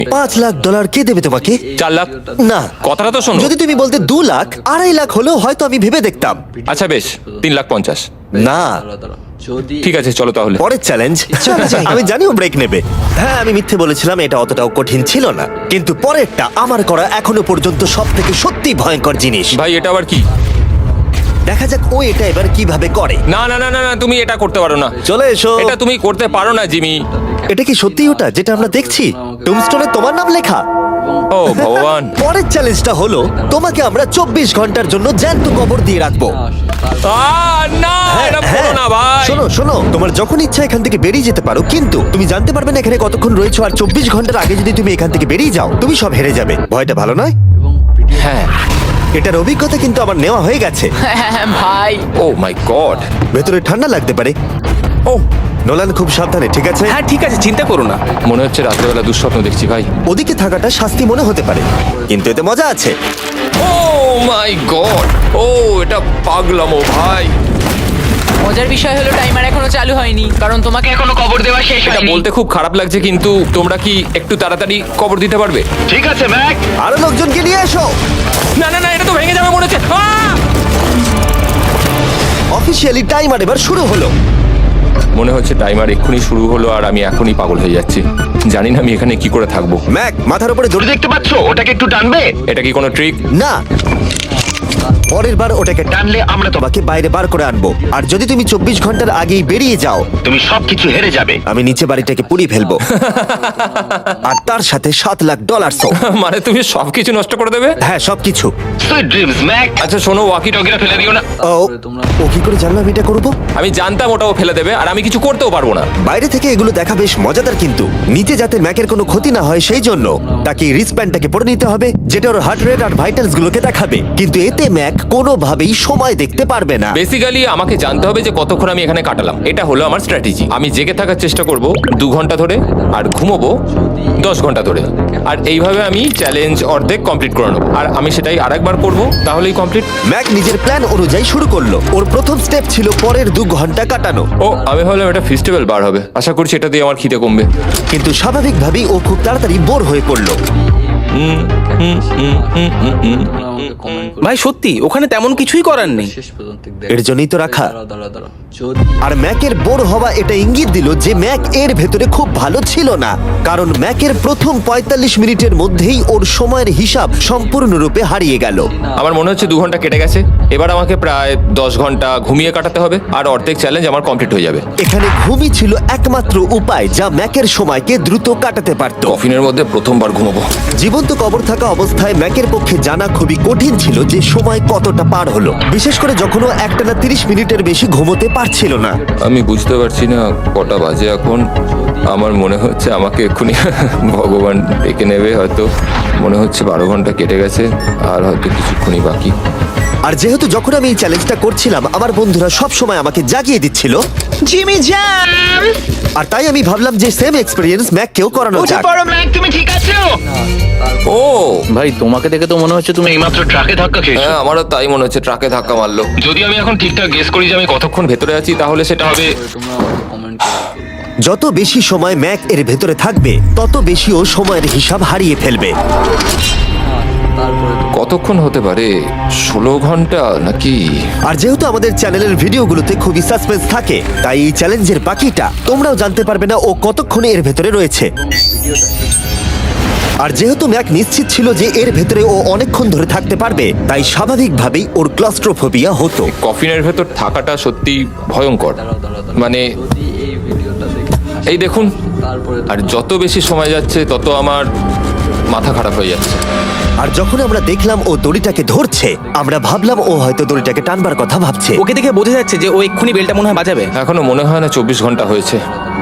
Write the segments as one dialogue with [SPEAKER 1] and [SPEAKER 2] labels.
[SPEAKER 1] $5 লাখ কে দেবে তোমাকে?
[SPEAKER 2] 4 লাখ।
[SPEAKER 1] না,
[SPEAKER 2] কথাটা তো শোনো।
[SPEAKER 1] যদি তুমি বলতে 2 লাখ, 2.5 লাখ হলেও হয়তো আমি ভেবে দেখতাম।
[SPEAKER 2] আচ্ছা বেশ, 3,50,000।
[SPEAKER 1] না,
[SPEAKER 2] ঠিক আছে চলো তাহলে।
[SPEAKER 1] পরের চ্যালেঞ্জ। আমি জানি ও ব্রেক নেবে। হ্যাঁ, আমি মিথ্যে বলেছিলাম, এটা অতটাও কঠিন ছিল না, কিন্তু পরেরটা আমার করা এখনো পর্যন্ত সব থেকে সত্যি ভয়ঙ্কর জিনিস।
[SPEAKER 2] ভাই এটা আবার কি?
[SPEAKER 1] দেখা যাক ও এটা এবার কিভাবে করে।
[SPEAKER 2] না না না না না, তুমি এটা করতে পারো না।
[SPEAKER 1] চলে এসো।
[SPEAKER 2] এটা তুমি করতে পারো না জিমি।
[SPEAKER 1] এটা কি সত্যি ওটা যেটা আমরা দেখছি? টুমস্টোনে তোমার নাম লেখা।
[SPEAKER 2] ও ভগবান।
[SPEAKER 1] পরের চ্যালেঞ্জটা হলো তোমাকে আমরা 24 ঘন্টার জন্য জ্যান্ত কবর দিয়ে রাখবো।
[SPEAKER 2] না
[SPEAKER 1] হ্যাঁ,
[SPEAKER 2] এটা
[SPEAKER 1] হ্যাঁ।
[SPEAKER 2] করো না ভাই।
[SPEAKER 1] শোনো শোনো, তোমার যখন ইচ্ছা এখান থেকে বেরিয়ে যেতে পারো, কিন্তু তুমি জানতে পারবে না এখানে কতক্ষণ রয়েছো। আর 24 ঘন্টার আগে যদি তুমি এখান থেকে বেরিয়ে যাও, তুমি সব হেরে যাবে। ভয়টা ভালো নয়?
[SPEAKER 2] হ্যাঁ।
[SPEAKER 1] এটার অভিজ্ঞতা কিন্তু আমার নেওয়া হয়ে গেছে।
[SPEAKER 3] ভাই
[SPEAKER 2] ও মাই গড।
[SPEAKER 1] ভেতরে ঠান্ডা লাগতে পারে।
[SPEAKER 4] ও
[SPEAKER 1] নোলান, খুব সাবধানে, ঠিক আছে?
[SPEAKER 4] হ্যাঁ ঠিক আছে, চিন্তা করো না।
[SPEAKER 2] মনে হচ্ছে রাত্রেবেলা দুঃস্বপ্ন দেখছি ভাই।
[SPEAKER 1] ওদিকে থাকাটা শাস্তি মনে হতে পারে, কিন্তু এতে মজা আছে।
[SPEAKER 2] ও মাই গড। ও এটা পাগলামো ভাই।
[SPEAKER 3] মজার বিষয় হলো টাইমার এখনো চালু হয়নি, কারণ তোমাকে এখনো কবর দেওয়া শেষ
[SPEAKER 2] এটা
[SPEAKER 3] হয়নি।
[SPEAKER 2] বলতে খুব খারাপ লাগছে, কিন্তু তোমরা কি একটু তাড়াতাড়ি কবর দিতে পারবে?
[SPEAKER 1] ঠিক আছে ম্যাক, আরো লোকজনকে নিয়ে এসো।
[SPEAKER 2] না না না, এটা তো ভেঙে যাবে মনে হচ্ছে।
[SPEAKER 1] অফিসিয়ালি টাইমার এবার শুরু হলো।
[SPEAKER 2] মনে হচ্ছে টাইমার এক্ষুনি শুরু হলো আর আমি এখনই পাগল হয়ে যাচ্ছি। জানি না আমি এখানে কি করে থাকবো।
[SPEAKER 1] ম্যাক, মাথার উপরে দড়ি দেখতে পাচ্ছো? ওটাকে একটু টানবে।
[SPEAKER 2] এটা কি কোনো ট্রিক?
[SPEAKER 1] না, পরের বার ওটাকে টানলে আমরা তোমাকে বাইরে বার করে আনবো। আর যদি তুমি 24 ঘন্টার আগেই বেরিয়ে যাও, তুমি সবকিছু হেরে যাবে। আমি নিচে বাড়িটাকে পুড়িয়ে ফেলবো। আর তার সাথে $7 লাখ।
[SPEAKER 2] মানে তুমি সবকিছু নষ্ট করে দেবে?
[SPEAKER 1] হ্যাঁ, সবকিছু।
[SPEAKER 2] আচ্ছা শোনো, ওয়াকি টকিটা ফেলে দিও না।
[SPEAKER 1] ও কি করে জানলাম এটা করবো?
[SPEAKER 2] আমি জানতাম ওটাও ফেলে দেবে আর আমি কিছু করতেও পারবো না।
[SPEAKER 1] বাইরে থেকে এগুলো দেখা বেশ মজাদার, কিন্তু নিচে যাতে ম্যাকের কোনো ক্ষতি না হয় সেই জন্য তাকে রিস্টব্যান্ডটাকে পরে নিতে হবে, যেটা ওর হার্ট রেট আর ভাইটালস গুলোকে দেখাবে। কিন্তু এতে ম্যাক কোনোভাবেই সময় দেখতে পারবে না।
[SPEAKER 2] বেসিক্যালি আমাকে জানতে হবে যে কতক্ষণ আমি এখানে কাটালাম। এটা হলো আমার স্ট্র্যাটেজি। আমি জেগে থাকার চেষ্টা করব 2 ঘন্টা ধরে আর ঘুমোবো 10 ঘন্টা ধরে। আর এইভাবে আমি চ্যালেঞ্জ অর্ধেক কমপ্লিট করে নেবো। আর আমি সেটাই আরেকবার করবো, তাহলেই কমপ্লিট।
[SPEAKER 1] ম্যাক নিজের প্ল্যান অনুযায়ী শুরু করলো। ওর প্রথম স্টেপ ছিল পরের 2 ঘন্টা কাটানো।
[SPEAKER 2] ও আমি ভাবলাম এটা ফেস্টিভ্যাল বার হবে। আশা করছি এটা দিয়ে আমার খিদে কমবে।
[SPEAKER 1] কিন্তু স্বাভাবিকভাবেই ও খুব তাড়াতাড়ি বোর হয়ে পড়লো।
[SPEAKER 4] ভাই সত্যি ওখানে তেমন কিছুই করার নেই।
[SPEAKER 1] এর জন্যই তো রাখা। আর ম্যাকের বোর হওয়া এটা ইঙ্গিত দিল যে ম্যাক এর ভেতরে খুব ভালো ছিল না, কারণ ম্যাকের প্রথম 45 মিনিটের মধ্যেই ওর সময়ের হিসাব সম্পূর্ণরূপে হারিয়ে গেল।
[SPEAKER 2] আমার মনে হচ্ছে 2 ঘন্টা কেটে গেছে। এবার আমাকে প্রায় 10 ঘন্টা ঘুমিয়ে কাটাতে হবে আর অর্ধেক চ্যালেঞ্জ আমার কমপ্লিট হয়ে যাবে।
[SPEAKER 1] এখানে ঘুমই ছিল একমাত্র উপায় যা ম্যাকের সময়কে দ্রুত কাটাতে পারত।
[SPEAKER 2] কফিনের মধ্যে প্রথমবার ঘুমাবো।
[SPEAKER 1] জীবন্ত কবর থাকা অবস্থায় ম্যাকের পক্ষে জানা খুবই কঠিন ছিল যে সময় কতটা পার হলো, বিশেষ করে যখন ও একটানা 30 মিনিটের বেশি ঘুমোতে পারছিল না।
[SPEAKER 2] আমি বুঝতে পারছি না কটা বাজে এখন। আমার মনে হচ্ছে আমাকে এক্ষুনি ভগবান ডেকে নেবে হয়তো। মনে হচ্ছে 12 ঘন্টা কেটে গেছে আর হয়তো কিছুক্ষণই বাকি।
[SPEAKER 1] আর যেহেতু যখন আমি এই চ্যালেঞ্জটা করছিলাম আমার বন্ধুরা সব সময় আমাকে জাগিয়ে দিচ্ছিল,
[SPEAKER 3] জিমি জ্যাম।
[SPEAKER 1] আর তাই আমি ভাবলাম যে সেম এক্সপেরিয়েন্স ম্যাককেও করানো যাক।
[SPEAKER 3] ম্যাক, তুমি ঠিক আছো?
[SPEAKER 2] ও
[SPEAKER 4] ভাই তোমাকে দেখে তো মনে হচ্ছে তুমি
[SPEAKER 5] এইমাত্র ট্রাকে ধাক্কা খেয়েছো।
[SPEAKER 2] হ্যাঁ, আমারও তাই মনে হচ্ছে। ট্রাকে ধাক্কা মারলো।
[SPEAKER 5] যদি আমি এখন ঠিকঠাক গেস করি যে আমি
[SPEAKER 2] কতক্ষণ ভেতরে আছি তাহলে সেটা হবে।
[SPEAKER 1] যত বেশি সময় ম্যাক এর ভেতরে থাকবে তত বেশি ও সময়ের হিসাব হারিয়ে ফেলবে।
[SPEAKER 2] কতক্ষণ হতে পারে? 16 ঘন্টা নাকি?
[SPEAKER 1] আর যেহেতু আমাদের চ্যানেলের ভিডিওগুলোতে খুবই সাসপেন্স থাকে, তাই এই চ্যালেঞ্জের বাকিটা তোমরাও জানতে পারবে না ও কতক্ষণে এর ভেতরে রয়েছে। আর যেহেতু ম্যাক নিশ্চিত ছিল যে এর ভেতরে ও অনেকক্ষণ ধরে থাকতে পারবে, তাই স্বাভাবিকভাবেই ওর ক্লস্ট্রোফোবিয়া হতো।
[SPEAKER 2] কফিনের ভেতর থাকাটা সত্যি ভয়ঙ্কর। মানে এই দেখুন, আর যত বেশি সময় যাচ্ছে তত আমার মাথা খারাপ হয়ে যাচ্ছে।
[SPEAKER 1] আর যখন আমরা দেখলাম ও দড়িটাকে ধরছে, আমরা ভাবলাম ও হয়তো দড়িটাকে টানবার কথা ভাবছে।
[SPEAKER 4] ওকে দেখে বোঝা যাচ্ছে যে ও এক্ষুনি বেলটা মনে হয় বাজাবে।
[SPEAKER 2] এখনো মনে হয় না 24 ঘন্টা হয়েছে।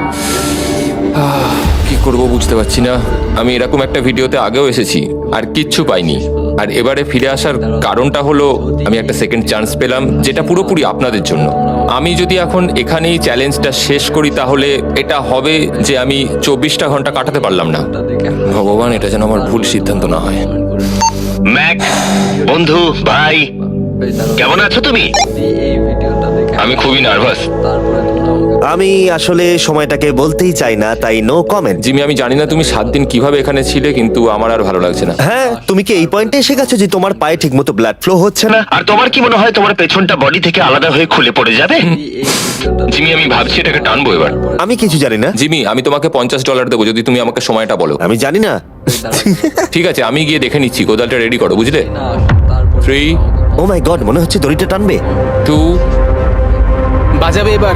[SPEAKER 2] কি করব বুঝতে পারছি না। আমি এরকম একটা ভিডিওতে আগেও এসেছি আর কিচ্ছু পাইনি। আর এবারে ফিরে আসার কারণটা হলো আমি একটা সেকেন্ড চান্স পেলাম, যেটা পুরোপুরি আপনাদের জন্য। আমি যদি এখন এখানেই চ্যালেঞ্জটা শেষ করি তাহলে এটা হবে যে আমি 24টা ঘন্টা কাটাতে পারলাম না। ভগবান, এটা যেন আমার ভুল সিদ্ধান্ত না হয়।
[SPEAKER 5] ম্যাক, বন্ধু, ভাই, কেমন আছো তুমি? আমি খুবই নার্ভাস।
[SPEAKER 1] আমি আসলে সময়টাকে বলতেই চাই না, তাই নো কমেন্ট।
[SPEAKER 2] জিমি, আমি জানি না তুমি 7 দিন কিভাবে এখানে ছিলে, কিন্তু আমার আর ভালো লাগছে না।
[SPEAKER 1] হ্যাঁ, তুমি কি এই পয়েন্টে এসে গেছো যে তোমার পায়ে ঠিকমতো ব্লাড ফ্লো হচ্ছে না?
[SPEAKER 5] আর তোমার কি মনে হয় তোমার পেছনটা বডি থেকে আলাদা হয়ে খুলে পড়ে যাবে? জিমি, আমি ভাবছি এটাকে টানবো এবার।
[SPEAKER 1] আমি কিছু জানি না।
[SPEAKER 2] জিমি, আমি তোমাকে $50 দেবো যদি তুমি আমাকে সময়টা বলো।
[SPEAKER 1] আমি জানি না।
[SPEAKER 2] ঠিক আছে, আমি গিয়ে দেখে নিচ্ছি। কোদালটা রেডি করো, বুঝলে? 3,
[SPEAKER 1] ও মাই গড, মনে হচ্ছে দড়িটা টানবে।
[SPEAKER 2] 2,
[SPEAKER 4] বাজাবে এবার।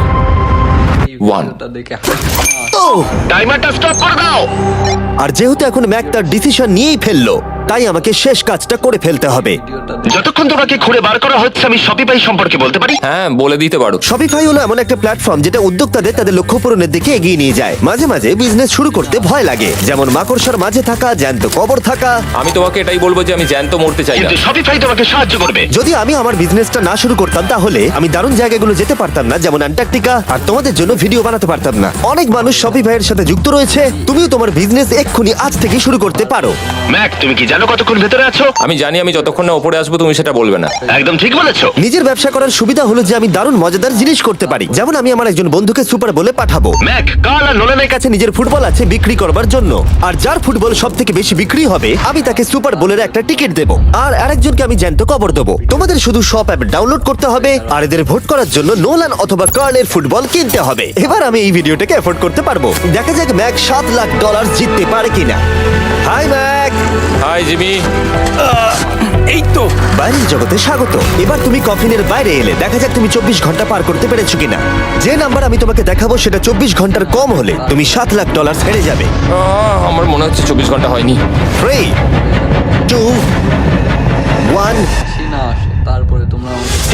[SPEAKER 2] 1।
[SPEAKER 1] ও!
[SPEAKER 5] টাইমারটা স্টপ করে দাও।
[SPEAKER 1] আর যেহেতু এখন ম্যাক তার ডিসিশন নিয়েই ফেললো, তাই আমাকে শেষ কাজটা করে ফেলতে হবে।
[SPEAKER 5] যতক্ষণ তোমাকে খুঁড়ে বার করা হচ্ছে আমি শপিফাই সম্পর্কে বলতে পারি।
[SPEAKER 2] হ্যাঁ, বলে দিতে পারো।
[SPEAKER 1] শপিফাই হলো এমন একটা প্ল্যাটফর্ম যেটা উদ্যোক্তাদের তাদের লক্ষ্য পূরণের দিকে এগিয়ে নিয়ে যায়। মাঝে মাঝে বিজনেস শুরু করতে ভয় লাগে, যেমন মাকড়সার মাঝে থাকা, জ্যান্ত কবর থাকা।
[SPEAKER 2] আমি তোমাকে এটাই বলবো যে আমি জ্যান্ত মরতে চাই না।
[SPEAKER 5] কিন্তু শপিফাই তোমাকে সাহায্য করবে।
[SPEAKER 1] যদি আমি আমার বিজনেসটা না শুরু করতাম তাহলে আমি দারুণ জায়গাগুলো যেতে পারতাম না, যেমন অ্যান্টার্কটিকা, আর তোমাদের জন্য ভিডিও বানাতে পারতাম না। অনেক মানুষ শপিফাইয়ের সাথে যুক্ত রয়েছে। তুমিও তোমার বিজনেস এক্ষুনি আজ থেকে শুরু করতে পারো।
[SPEAKER 5] ম্যাক, তুমি কি জানো কতক্ষণ ভেতরে আছো?
[SPEAKER 2] আমি জানি, আমি যতক্ষণ না উপরে আসবো তুমি সেটা বলবে না।
[SPEAKER 5] একদম ঠিক বলেছো।
[SPEAKER 1] নিজের ব্যবসা করার সুবিধা হলো যে আমি দারুণ মজাদার জিনিস করতে পারি, যেমন আমি আমার একজন বন্ধুকে সুপার বলে পাঠাবো।
[SPEAKER 5] ম্যাক, কার্ল আর নোলানের
[SPEAKER 1] কাছে নিজের ফুটবল আছে বিক্রি করবার জন্য, আর যার ফুটবল সব থেকে বেশি বিক্রি হবে আমি তাকে সুপার বোলের একটা টিকিট দেবো, আর আরেকজনকে আমি জ্যান্ত কবর দেবো। তোমাদের শুধু শপ অ্যাপ ডাউনলোড করতে হবে আর এদের ভোট করার জন্য নোলান অথবা কার্লের ফুটবল কিনতে হবে। এবার আমি এই ভিডিওটাকে এফোর্ড করতে পারবো। দেখা যাক ম্যাক $7 লাখ জিততে পারে কিনা। Hi Mack.
[SPEAKER 2] Hi Jimmy.
[SPEAKER 4] এই তো।
[SPEAKER 1] বাইরের জগতে স্বাগত। এবার তুমি কফিনের বাইরে এলে, দেখা যাক তুমি 24 ঘন্টা পার করতে পেরেছো কিনা। যে নাম্বার আমি তোমাকে দেখাবো সেটা 24 ঘন্টার কম হলে তুমি $7 লাখ হেরে যাবে।
[SPEAKER 2] আমার মনে হচ্ছে 24 ঘন্টা হয়নি।
[SPEAKER 1] 3, 2, 1।
[SPEAKER 6] তারপরে তোমরা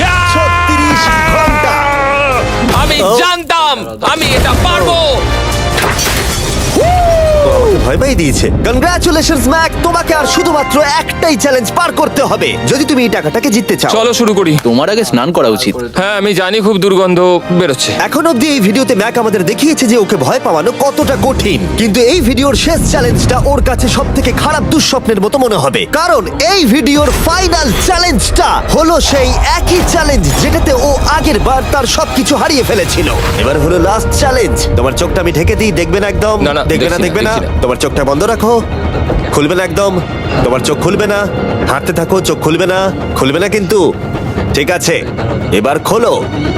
[SPEAKER 1] 36 ঘন্টা।
[SPEAKER 2] আমি জানতাম আমি এটা পারবো।
[SPEAKER 1] তো আমাকে ভয় পাই দিয়েছে। কনগ্রাচুলেশনস ম্যাক, তোমাকে আর শুধুমাত্র একটাই চ্যালেঞ্জ পার করতে হবে যদি তুমি এই টাকাটাকে জিততে চাও।
[SPEAKER 2] চলো শুরু করি।
[SPEAKER 4] তোমার আগে স্নান করা উচিত।
[SPEAKER 2] হ্যাঁ, আমি জানি খুব দুর্গন্ধ বেরোচ্ছে।
[SPEAKER 1] এখন অব্দি এই ভিডিওতে ম্যাক আমাদের দেখিয়েছে যে ওকে ভয় পাওয়ানো কতটা কঠিন, কিন্তু এই ভিডিওর শেষ চ্যালেঞ্জটা ওর কাছে সব থেকে খারাপ দুঃস্বপ্নের মতো মনে হবে, কারণ এই ভিডিওর ফাইনাল চ্যালেঞ্জটা হলো সেই একই চ্যালেঞ্জ যেটাতে ও আগের বার তার সবকিছু হারিয়ে ফেলেছিল। এবার হলো লাস্ট চ্যালেঞ্জ। তোমার চোখটা আমি ঢেকে দিই, দেখবে না একদম?
[SPEAKER 2] না, না,
[SPEAKER 1] দেখবে না,
[SPEAKER 2] দেখছি না,
[SPEAKER 1] দেখবে না।
[SPEAKER 2] দেখছি না।
[SPEAKER 1] তোমার চোখটা বন্ধ রাখো, খুলবে না একদম। তোমার চোখ খুলবে না, হাঁটতে থাকো, চোখ খুলবে না, খুলবে না কিন্তু। ঠিক আছে, এবার খোলো।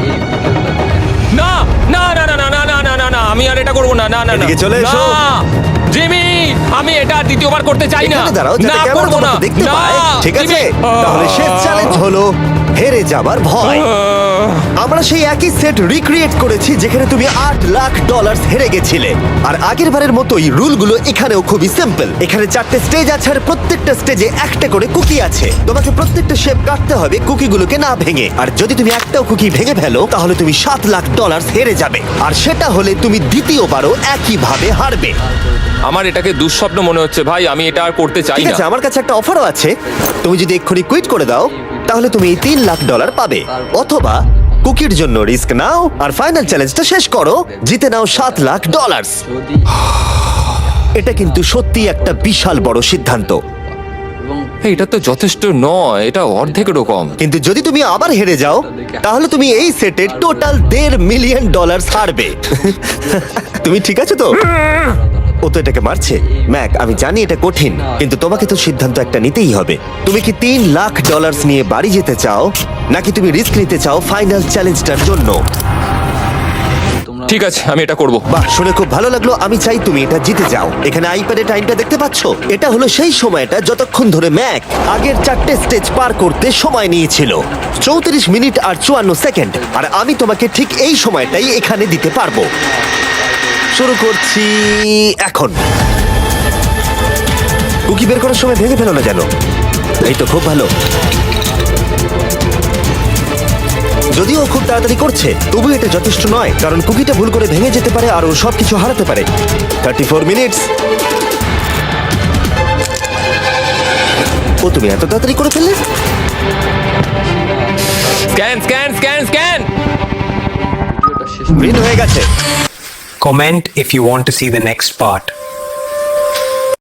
[SPEAKER 2] না না না না না না না না না না, আমি আর এটা করবো না। না না না
[SPEAKER 1] এদিকে চলে এসো।
[SPEAKER 2] না, জিমি, আমি এটা আর দ্বিতীয়বার করতে চাই না।
[SPEAKER 1] এখানে দাঁড়াও, যাতে
[SPEAKER 2] না,
[SPEAKER 1] ক্যামেরা
[SPEAKER 2] করবো না।
[SPEAKER 1] তোমাকে দেখতে
[SPEAKER 2] না,
[SPEAKER 1] পায়। ঠিক আছে,
[SPEAKER 2] জিমি।
[SPEAKER 1] তাহলে শেষ চ্যালেঞ্জ হলো হেরে যাবার ভয়। আমরা সেই একই সেট রিক্রিয়েট করেছি যেখানে তুমি $8 লাখ হেরে গেছিলে। আর আগের বারের মতোই রুলগুলো এখানেও খুবই সিম্পল। এখানে 4টে স্টেজ আছে আর প্রত্যেকটা স্টেজে একটা করে কুকি আছে। তোমাকে প্রত্যেকটা শেপ কাটতে হবে কুকিগুলোকে না ভেঙে, আর যদি তুমি একটাও কুকি ভেঙে ফেলো তাহলে তুমি $7 লাখ হেরে যাবে, আর সেটা হলে তুমি দ্বিতীয়বারও একইভাবে হারবে।
[SPEAKER 2] আমার এটাকে দুঃস্বপ্ন মনে হচ্ছে ভাই, আমি এটা আর করতে চাই
[SPEAKER 1] ঠিক
[SPEAKER 2] না।
[SPEAKER 1] আছে, আমার কাছে একটা অফারও আছে। তুমি যদি এক্ষুনি কুইট করে দাও তাহলে তুমি এই $3 লাখ পাবে, অথবা কুকির জন্য রিস্ক নাও আর ফাইনাল চ্যালেঞ্জটা শেষ করো, জিতে নাও $7 লাখ।
[SPEAKER 6] যদি
[SPEAKER 1] এটা কিন্তু সত্যি একটা বিশাল বড় সিদ্ধান্ত,
[SPEAKER 6] এবং
[SPEAKER 2] এটা তো যথেষ্ট নয়, এটা অর্ধেকেরও কম।
[SPEAKER 1] কিন্তু যদি তুমি আবার হেরে যাও তাহলে তুমি এই সেটে টোটাল $1.5 মিলিয়ন হারবে। তুমি ঠিক আছো তো? ও তো এটাকে মারছে। ম্যাক, আমি জানি এটা কঠিন, কিন্তু তোমাকে তো সিদ্ধান্ত একটা নিতেই হবে। তুমি কি $3 লাখ নিয়ে বাড়ি যেতে চাও, নাকি তুমি রিস্ক নিতে চাও ফাইনাল চ্যালেঞ্জটার জন্য?
[SPEAKER 6] তোমরা
[SPEAKER 2] ঠিক আছে, আমি এটা করব।
[SPEAKER 1] বাহ, শুনে খুব ভালো লাগলো। আমি চাই তুমি এটা জিতে যাও। এখানে আইপ্যাডে টাইমটা দেখতে পাচ্ছো? এটা হলো সেই সময়টা যতক্ষণ ধরে ম্যাক আগের 4টে স্টেজ পার করতে সময় নিয়েছিল, 34 মিনিট আর 54 সেকেন্ড। আর আমি তোমাকে ঠিক এই সময়টাই এখানে দিতে পারবো। শুরু করছি এখন। কুকি বের করার সময় ভেঙে ফেলো না যেন। এই তো, খুব ভালো। যদিও ও খুব তাড়াতাড়ি করছে, তবু এটা যথেষ্ট নয়, কারণ কুকিটা ভুল করে ভেঙে যেতে পারে আর ও সবকিছু হারাতে পারে। 34 মিনিটস। ও, তুমি এত তাড়াতাড়ি করে ফেললে?
[SPEAKER 2] Scan scan scan scan.
[SPEAKER 6] ভিডিওটা শেষ
[SPEAKER 1] গ্রিন হয়ে গেছে।
[SPEAKER 7] Comment if you want to see the next part.